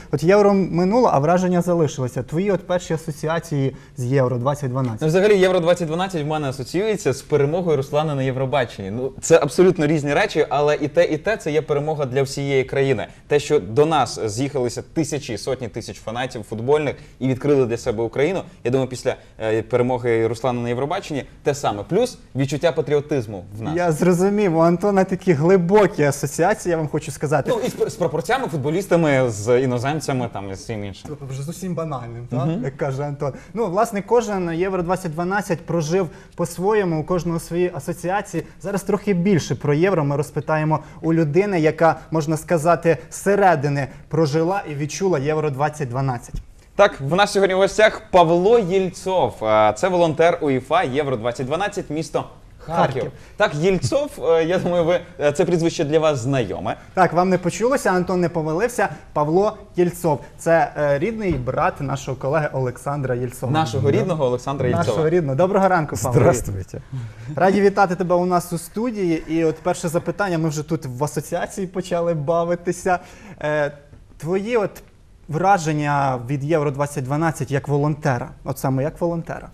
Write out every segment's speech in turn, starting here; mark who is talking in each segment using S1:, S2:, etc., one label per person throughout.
S1: от євро минуло, а враження залишилося. Твої от перші асоціації з Євро 2012.
S2: Ну, взагалі, Євро 2012 в мене асоціюється з перемогою Руслана на Євробаченні. Ну, це абсолютно різні речі, але і те це є перемога для всієї країни. Те, що до нас з'їхалися тисячі, сотні тисяч фанатів футбольних і відкрили для себе Україну, я думаю, після перемоги Руслана на Євробаченні те саме. Плюс відчуття патріотизму в нас.
S1: Я зрозумів, у Антона такі глибокі асоціації, я вам хочу сказати.
S2: Ну, і з пропорціями, футболістами, з іноземцями там, і з всім іншим.
S1: Вже зовсім банальним, так? Як каже Антон. Ну, власне, кожен Євро 2012 прожив по-своєму, у кожного свої асоціації. Зараз трохи більше про Євро ми розпитаємо у людини, яка, можна сказати, зсередини прожила і відчула Євро 2012.
S2: Так, в нас сьогодні в гостях Павло Єльцов. Це волонтер УЄФА Євро 2012, місто Харків. Так, Єльцов, я думаю, це прізвище для вас знайоме.
S1: Так, вам не почулося, Антон не помилився. Павло Єльцов. Це рідний брат нашого колеги Олександра Єльцова.
S2: Нашого рідного Олександра Єльцова.
S1: Нашого рідного. Доброго ранку, Павло.
S3: Здравствуйте.
S1: Раді вітати тебе у нас у студії. І от перше запитання, ми вже тут в асоціації почали бавитися. Твої от враження від Євро 2012 як волонтера? От саме як волонтера.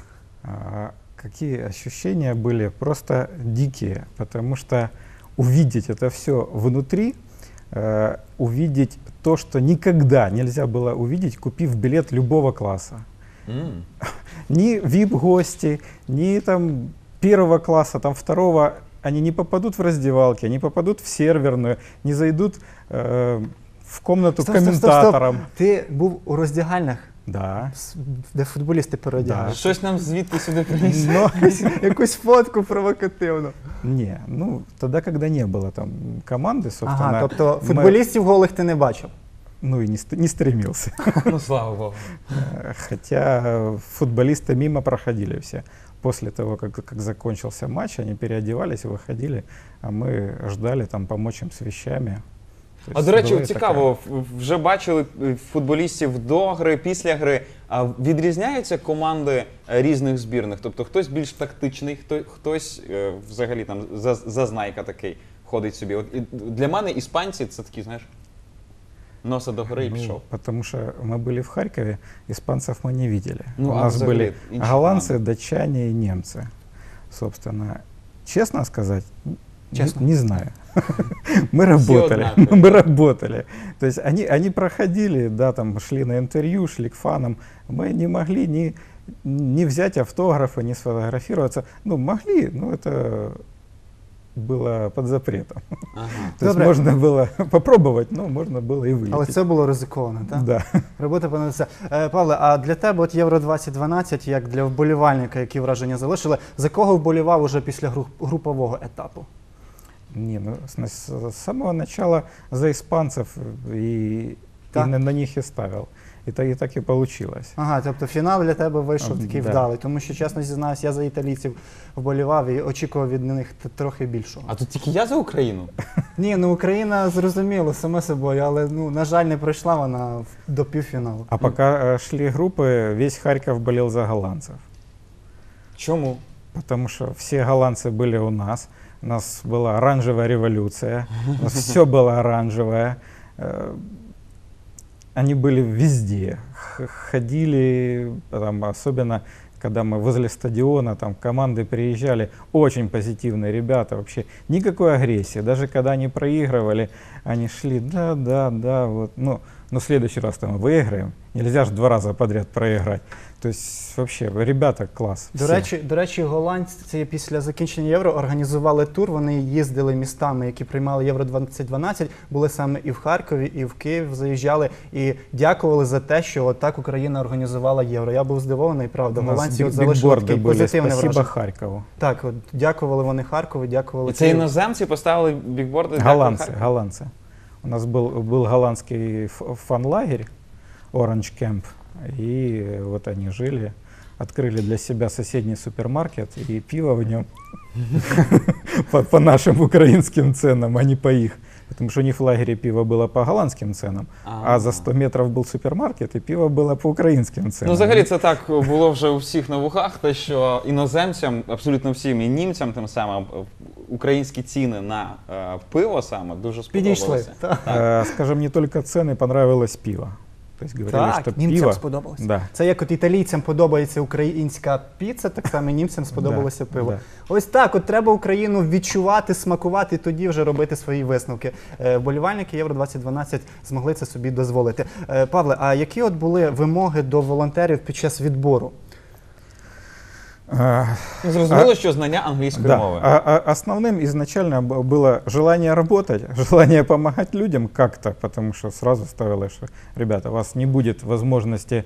S3: Какие ощущения были? Просто дикие, потому что увидеть это все внутри, увидеть то, что никогда нельзя было увидеть, купив билет любого класса. Ни VIP-гости, ни там первого класса, там второго, они не попадут в раздевалки, не попадут в серверную, не зайдут в комнату к комментаторам.
S1: Ти був у роздягальнях?
S3: Да.
S1: Де футболісти переодягали?
S3: Да.
S2: Щось нам звідти сюди приніс.
S1: Якусь фотку провокативну.
S3: Не, ну тогда, когда не было там команды, собственно.
S1: Ага, тобто футболістів голих ти не бачив?
S3: Ну и не стремился.
S2: Ну, слава Богу.
S3: Хотя футболисты мимо проходили все. После того, как закончился матч, они переодевались и выходили, а мы ждали там помочь им с вещами.
S2: А до речі, цікаво, вже бачили футболістів до гри, після гри. А відрізняються команди різних збірних? Тобто хтось більш тактичний, хтось взагалі там зазнайка такий ходить собі. От для мене іспанці це такі, знаєш, носа до гори і пішов.
S3: Потому что мы были в Харькове, испанцев мы не видели.
S2: Ну,
S3: у нас были голландцы,
S2: команды.
S3: датчане и немцы. Собственно, честно сказать,
S1: Честно.
S3: не знаю. Мы работали, мы работали. То есть они проходили, да, там шли на интервью, шли к фанам. Мы не могли ни взять автографы, ни сфотографироваться. Ну, могли, но это было под запретом.
S2: Ага.
S3: То есть можно было попробовать, но можно было и вылететь.
S1: Але це було ризиковано, так?
S3: Да.
S1: Робота понадобиться. Павле, а для тебе от Євро 2012, як для вболівальника, які враження залишили, за кого вболівав уже після групового етапу?
S3: Не, ну, с самого начала за испанцев и на них и ставил. І так і получилось.
S1: Ага, тобто фінал для тебе вийшов такий вдалий, тому що, чесно зізнаюсь, я за італійців вболівав і очікував від них трохи більшого.
S2: А тут тільки я за Україну?
S1: Ні, ну Україна, зрозуміло, саме собою, але, ну, на жаль, не пройшла вона до півфіналу.
S3: А пока шли группы, весь Харьков болел за голландцев.
S2: Чому?
S3: Потому что все голландцы были у нас была оранжевая революция, у нас все было оранжевое. Они были везде, ходили, там, особенно когда мы возле стадиона, там команды приезжали, очень позитивные ребята, вообще никакой агрессии. Даже когда они проигрывали, они шли, да, вот, ну, но в следующий раз там выиграем. Нельзя же 2 раза подряд проиграть. То есть вообще ребята клас.
S1: До речі, голландці після закінчення Євро організували тур, вони їздили містами, які приймали Євро 2012, були саме і в Харкові, і в Київ заїжджали і дякували за те, що отак Україна організувала Євро. Я був здивований, правда, голландці от залишили такий позитивний враження.
S3: Спасибо Харкову.
S1: Так, от, дякували вони Харкову, дякували
S2: І це іноземці поставили бікборди?
S3: Голландцы. У нас был голландский фан-лагерь Orange Camp, и вот они жили, открыли для себя соседний супермаркет и пиво в нем по нашим украинским ценам, а не по их. Потому что у них в лагере пиво было по голландским ценам, а за 100 метров был супермаркет, и пиво было по украинским ценам.
S2: Ну, взагалі, це так було вже у всіх на вухах, те, що іноземцям, абсолютно всім, і німцям тим самим, українські ціни на пиво саме дуже
S1: Підійшли.
S2: сподобалися.
S3: Скажем, не только цены, понравилось пиво. То есть говорили,
S1: Так,
S3: что
S1: німцям
S3: пиво...
S1: сподобалося.
S3: Да.
S1: Це як от італійцям подобається українська піца, так само і німцям сподобалося
S3: Да,
S1: пиво.
S3: да.
S1: Ось так, от треба Україну відчувати, смакувати, і тоді вже робити свої висновки. Вболівальники Євро-2012 змогли це собі дозволити. Павле, а які от були вимоги до волонтерів під час відбору?
S2: Ну, зрозуміло, що знання англійської мови.
S3: Основным изначально было желание работать, желание помогать людям как-то, потому что сразу ставилось, что, ребята, у вас не будет возможности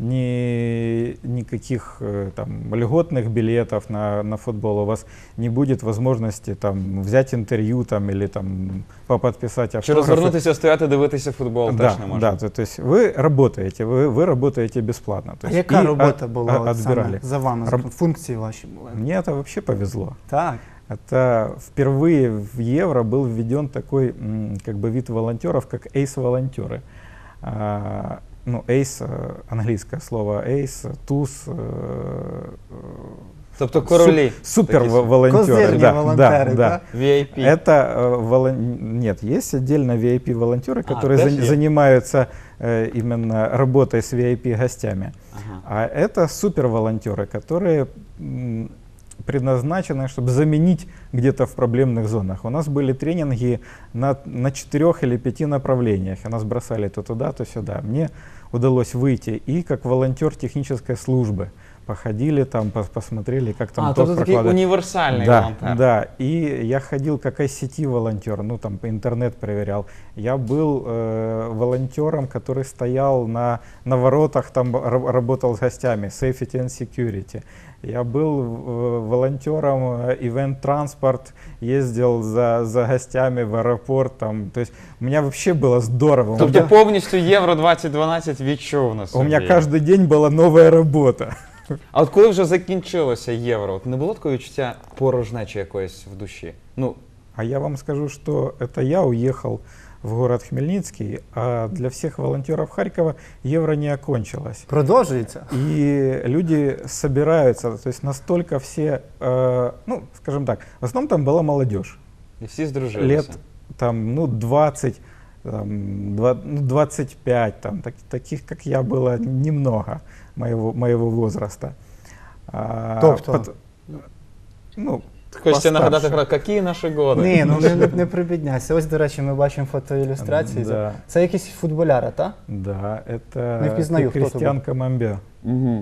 S3: никаких там, льготных билетов на футбол, у вас не будет возможности там, взять интервью там, или там, подписать
S2: Чи
S3: автографы.
S2: розвернутися, стояти, дивитися футбол
S3: Да,
S2: теж не можна.
S3: да, то есть вы работаете, вы работаете бесплатно. То
S1: А
S3: есть
S1: яка
S3: и
S1: робота була от
S3: отбирали.
S1: саме за вами? Функції ваші були?
S3: Мне это вообще повезло.
S1: Так.
S3: Это впервые в Евро был введен такой как бы вид волонтеров, как эйс-волонтеры. Ну, эйс, английское слово эйс, туз,
S2: Тобто королі.
S3: супер-волонтеры.
S1: Козирні волонтери, так?
S2: VIP.
S3: Это нет, есть отдельно VIP-волонтеры, которые
S2: тоже есть?
S3: занимаются именно работой с VIP-гостями.
S2: Ага.
S3: А это супер-волонтеры, которые предназначены, чтобы заменить где-то в проблемных зонах. У нас были тренинги на 4 или 5 направлениях. И нас бросали то туда, то сюда. Мне удалось выйти и как волонтер технической службы. Походили там, посмотрели, как там
S2: Тобто такий
S3: прокладывать.
S2: універсальний
S3: Да,
S2: волонтер.
S3: да. И я ходил как ICT-волонтер, ну там интернет проверял. Я был волонтером, который стоял на воротах, там работал с гостями, safety and security. Я был волонтером ивент-транспорт, ездил за гостями в аэропорт. Там, то есть у меня вообще было здорово.
S2: Тобто повністю Євро 2012 відчув на собі.
S3: У меня каждый день была новая работа.
S2: А от коли вже закінчилося Євро, от не було такого відчуття порожнечі якоїсь в душі? Ну,
S3: А я вам скажу, что это я уехал в город Хмельницкий, а для всех волонтеров Харькова Евро не окончилось.
S1: Продовжується?
S3: И люди собираются, то есть настолько все, ну, скажем так, в основном там была молодежь.
S2: і всі здружилися.
S3: Лет там, ну, 20, там, 25, там, таких, как я, было немного моего возраста.
S1: Тобто?
S3: Ну,
S2: Хочеться нагадати,
S3: постарше.
S2: які наші годи.
S1: Ні, ну не прибідняйся. Ось, до речі, ми бачимо фотоілюстрації.
S3: Да.
S1: Це якісь футболяри, так?
S3: Да, это
S1: Не впізнаю, хто
S3: Кристиан Камамбе.
S2: Угу.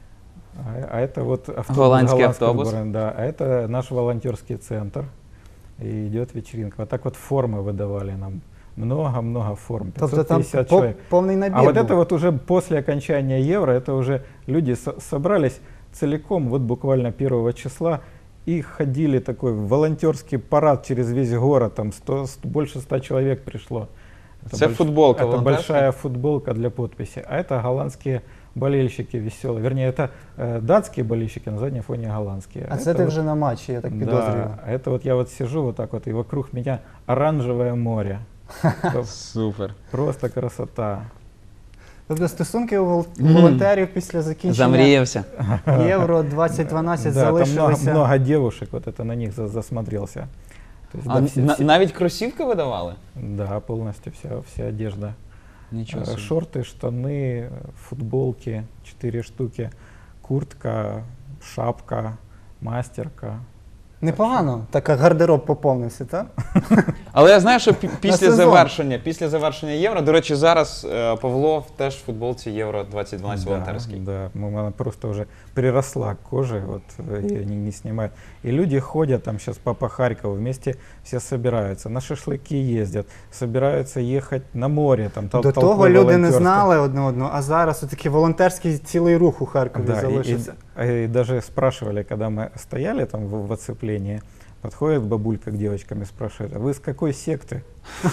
S3: А это вот автобус,
S2: Голландский
S3: голландского
S2: автобус.
S3: бренда. Да, а это наш волонтерский центр. И идет вечеринка. Вот так вот формы выдавали нам. Много-много форм.
S1: Тобто там
S3: 550 человек.
S1: повний набір
S3: А вот
S1: був.
S3: это вот уже после окончания Евро, это уже люди собрались целиком, вот буквально 1 числа, и ходили такой волонтерский парад через весь город, там больше 100 человек пришло.
S2: Це футболка
S3: Это
S2: волонтерська?
S3: большая футболка для подписи. А это голландские болельщики веселые. Вернее, это датские болельщики, на заднем фоне голландские.
S1: А це
S3: Это
S1: ти
S3: вот-
S1: вже на матчі, я так підозрюю.
S3: Да, а это вот я вот сижу вот так вот, и вокруг меня оранжевое море.
S2: Супер.
S3: Просто красота.
S1: Тобто стосунки у волонтерів після закінчення
S2: Замріявся.
S1: Євро 2012
S3: Да, там
S1: залишилися.
S3: много девушек, вот это на них засмотрелся. То есть,
S2: А
S3: да, все-
S2: навіть кросівки видавали?
S3: да, полностью вся одежда.
S2: Нічого собі.
S3: Шорты, штаны, футболки, 4 штуки, куртка, шапка, мастерка.
S1: Непогано, так гардероб поповнився, так?
S2: Але я знаю, що
S1: сезон.
S2: після завершення Євро, до речі, зараз Павло теж в футболці Євро 2012 волонтерський.
S3: Да, она просто уже приросла к коже, вот ее не снимают. И люди ходят там сейчас по Харькову, вместе все собираются, на шашлыки ездят, собираются ехать на море. Там,
S1: До
S3: толпой
S1: того люди не
S3: волонтерской.
S1: знали одне одного, а зараз такий волонтерський цілий рух у Харкові
S3: Да,
S1: залишився.
S3: и даже спрашивали, когда мы стояли там в оцеплении, подходит бабулька к девочкам и спрашивает: а вы с какой секты?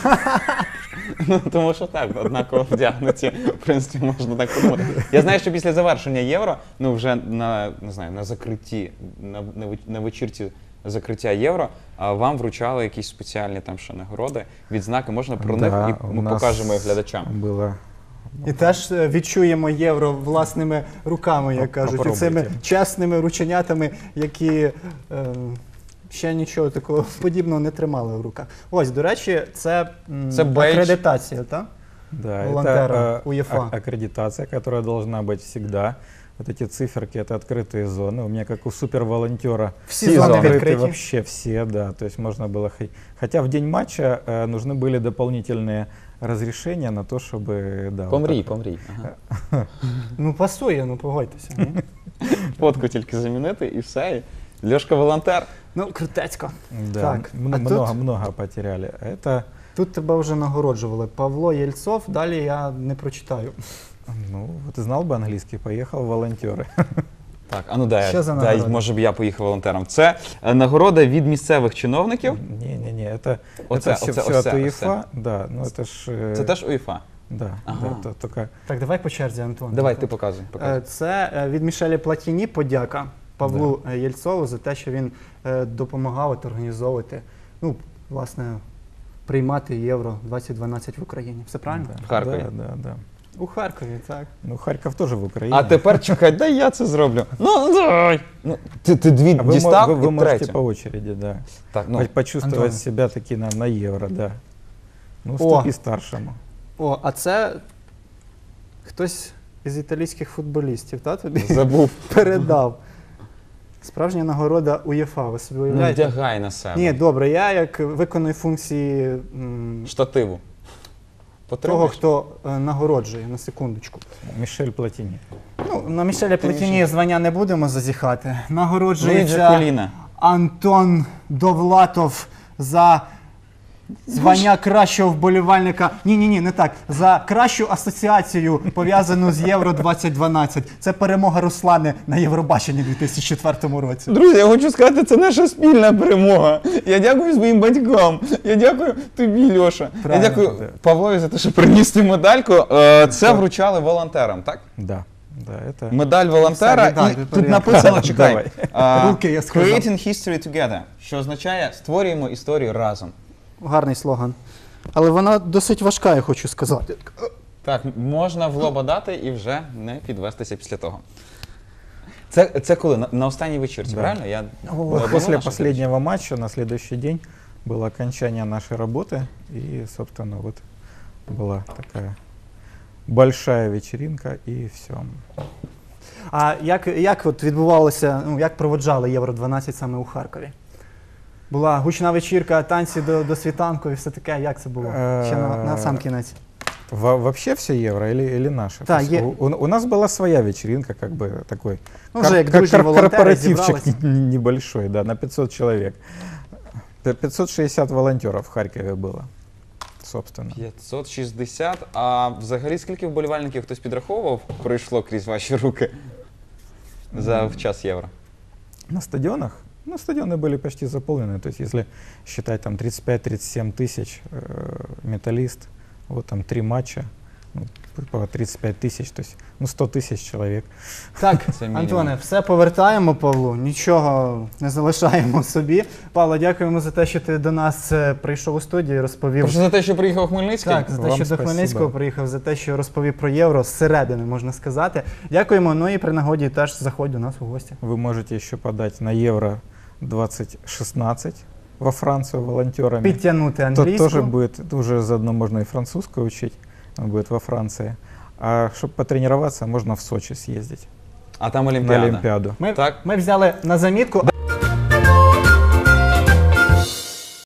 S2: Ну, тому що так, однаково вдягнуті, в принципі, можна так подумати. Я знаю, що після завершення Євро, ну вже на закритті, на вечірці закриття Євро, вам вручали якісь спеціальні там ще нагороди, відзнаки. Можна про
S3: Да,
S2: них і
S3: у
S2: ми
S3: нас
S2: покажемо їх глядачам.
S3: Было
S1: І теж відчуємо євро власними руками, як кажуть, і
S3: Попробуйте.
S1: цими чесними рученятами, які ще нічого такого подібного не тримали в руках. Ось, до речі, це,
S2: Це бейдж.
S1: акредитація, так?
S3: Да,
S1: волонтера
S3: это
S1: УЕФА.
S3: аккредитация, которая должна быть всегда. Вот эти циферки — это открытые зоны. У меня, как у суперволонтера,
S1: Всі зони
S3: открыты
S1: відкриті.
S3: вообще все, да. То есть можно было... Хотя в день матча нужны были дополнительные разрешения на то, чтобы... Да, вот
S2: Помрій,
S3: так вот.
S2: помрій. Ага.
S1: Ну, пасує, ну погодьтеся. Ні?
S2: Фотку тільки замінити і все. І Льошка волонтер.
S1: Ну, крутецько.
S3: Да,
S1: Так, а
S3: много потеряли. Это,
S1: Тут тебе вже нагороджували. Павло Єльцов, далі я не прочитаю.
S3: ну, вот знал бы английский, поехал в волонтеры.
S2: Так, а ну дай,
S1: Що за
S2: дай,
S1: нагорода?
S2: може б я поїхав волонтером. Це нагорода від місцевих чиновників.
S3: Не-не-не, это
S2: Оце,
S3: все,
S2: оце,
S3: все
S2: оце,
S3: от
S2: оце.
S3: УЕФА. Да, ну это ж...
S2: Це теж УЄФА.
S3: Да,
S2: Ага.
S3: да, это только...
S1: Так, давай по черзі, Антон.
S2: Давай, ти показуй. показуй.
S1: Це від Мішеля Платіні подяка Павлу Єльцову за те, що він допомагав от організовувати, ну, власне, приймати Євро 2012 в Україні. Все правильно?
S3: Да,
S2: В Харкові.
S3: Да, да, да.
S1: У Харкові, так.
S3: Ну, Харьков тоже в Украине.
S2: А тепер чекай, дай я це зроблю. Ну, давай. Ну, ти дві
S3: А вы,
S2: дістав
S3: вы
S2: і
S3: можете
S2: третю.
S3: по очереди, да.
S2: Так, ну,
S3: Почувствовать
S1: Антон.
S3: себя таки на евро, да. Ну,
S1: О.
S3: уступи старшему.
S1: О, а це хтось із італійських футболістів, та тобі
S2: забув.
S1: передав. Справжня нагорода УЄФА, ви собі
S2: Ну,
S1: уявляєте?
S2: вдягай на себе.
S1: Ні, добре, я як виконую функції
S2: Штативу.
S1: того,
S2: Потребуєш?
S1: хто нагороджує, на секундочку.
S3: Мишель Платини.
S1: Ну, на Мішеля Платіні звання не будемо зазіхати.
S2: Луїджі
S1: Нагороджується
S2: Коліна.
S1: Антон Довлатов за звання кращого вболівальника. Ні, не так. За кращу асоціацію, пов'язану з Євро 2012. Це перемога Руслани на Євробаченні у 2004 році.
S2: Друзі, я хочу сказати, це наша спільна перемога. Я дякую своїм батькам. Я дякую тобі, Льоша.
S1: Правильно.
S2: Я дякую Павлові за те, що приніс цю медальку. Це вручали волонтерам, так?
S3: Да, да, это...
S2: Медаль волонтера.
S1: Все, віддай,
S2: І
S1: тепер
S2: тут
S1: я.
S2: написано, чекай.
S3: Давай.
S1: Руки я сказав.
S2: Creating history together, що означає створюємо історію разом.
S1: Гарний слоган. Але вона досить важка, я хочу сказати.
S2: Так, можна в лоба дати і вже не підвестися після того. Це коли? На останній вечірці,
S3: Да.
S2: правильно? Я
S3: Вот
S2: обманув
S3: после
S2: наших
S3: последнего матча на следующий день было окончание нашей работы. И, собственно, вот была такая большая вечеринка и все.
S1: А як от відбувалося, ну, як проводжали Євро 12 саме у Харкові? Була гучна вечірка, танці до світанку і все таке. Як це було? Ще на сам кінець.
S3: Вообще все евро или наше?
S1: Да,
S3: То есть у нас была своя вечеринка, как бы такой
S1: Ну, вже як дружні волонтери
S3: корпоративчик
S1: зібрались.
S3: небольшой, да, на 500 человек. 560 волонтеров в Харькове было, собственно.
S2: 560. А взагалі скільки вболівальників хтось підраховував, пройшло крізь ваші руки в час Євро?
S3: На стадионах? Ну, стадионы были почти заполнены. То есть, если считать там 35-37 тысяч, металлист, вот там 3 матча, ну, по 35 тысяч, то есть, ну, 100 тысяч человек.
S1: Так,
S2: Це мінімум.
S1: Антоне, все повертаємо Павлу, нічого не залишаємо собі. Павло, дякуємо за те, що ти до нас прийшов у студію і розповів.
S2: Прошу за те, що приїхав Хмельницький.
S1: Так, за те,
S3: Вам
S1: що до
S3: спасибо.
S1: Хмельницького приїхав, за те, що розповів про євро зсередини, можна сказати. Дякуємо. Ну і при нагоді теж заходь до нас у гості.
S3: Вы можете еще подать на Евро 2016 во Францию волонтерами.
S1: Підтягнути
S3: То
S1: англійську.
S3: тоже будет, уже заодно можно и французскую учить, будет во Франции. А чтобы потренироваться, можно в Сочи съездить
S2: А там
S3: на
S2: Олімпіада.
S3: Олимпиаду.
S1: Ми,
S2: Так.
S1: ми взяли на замітку.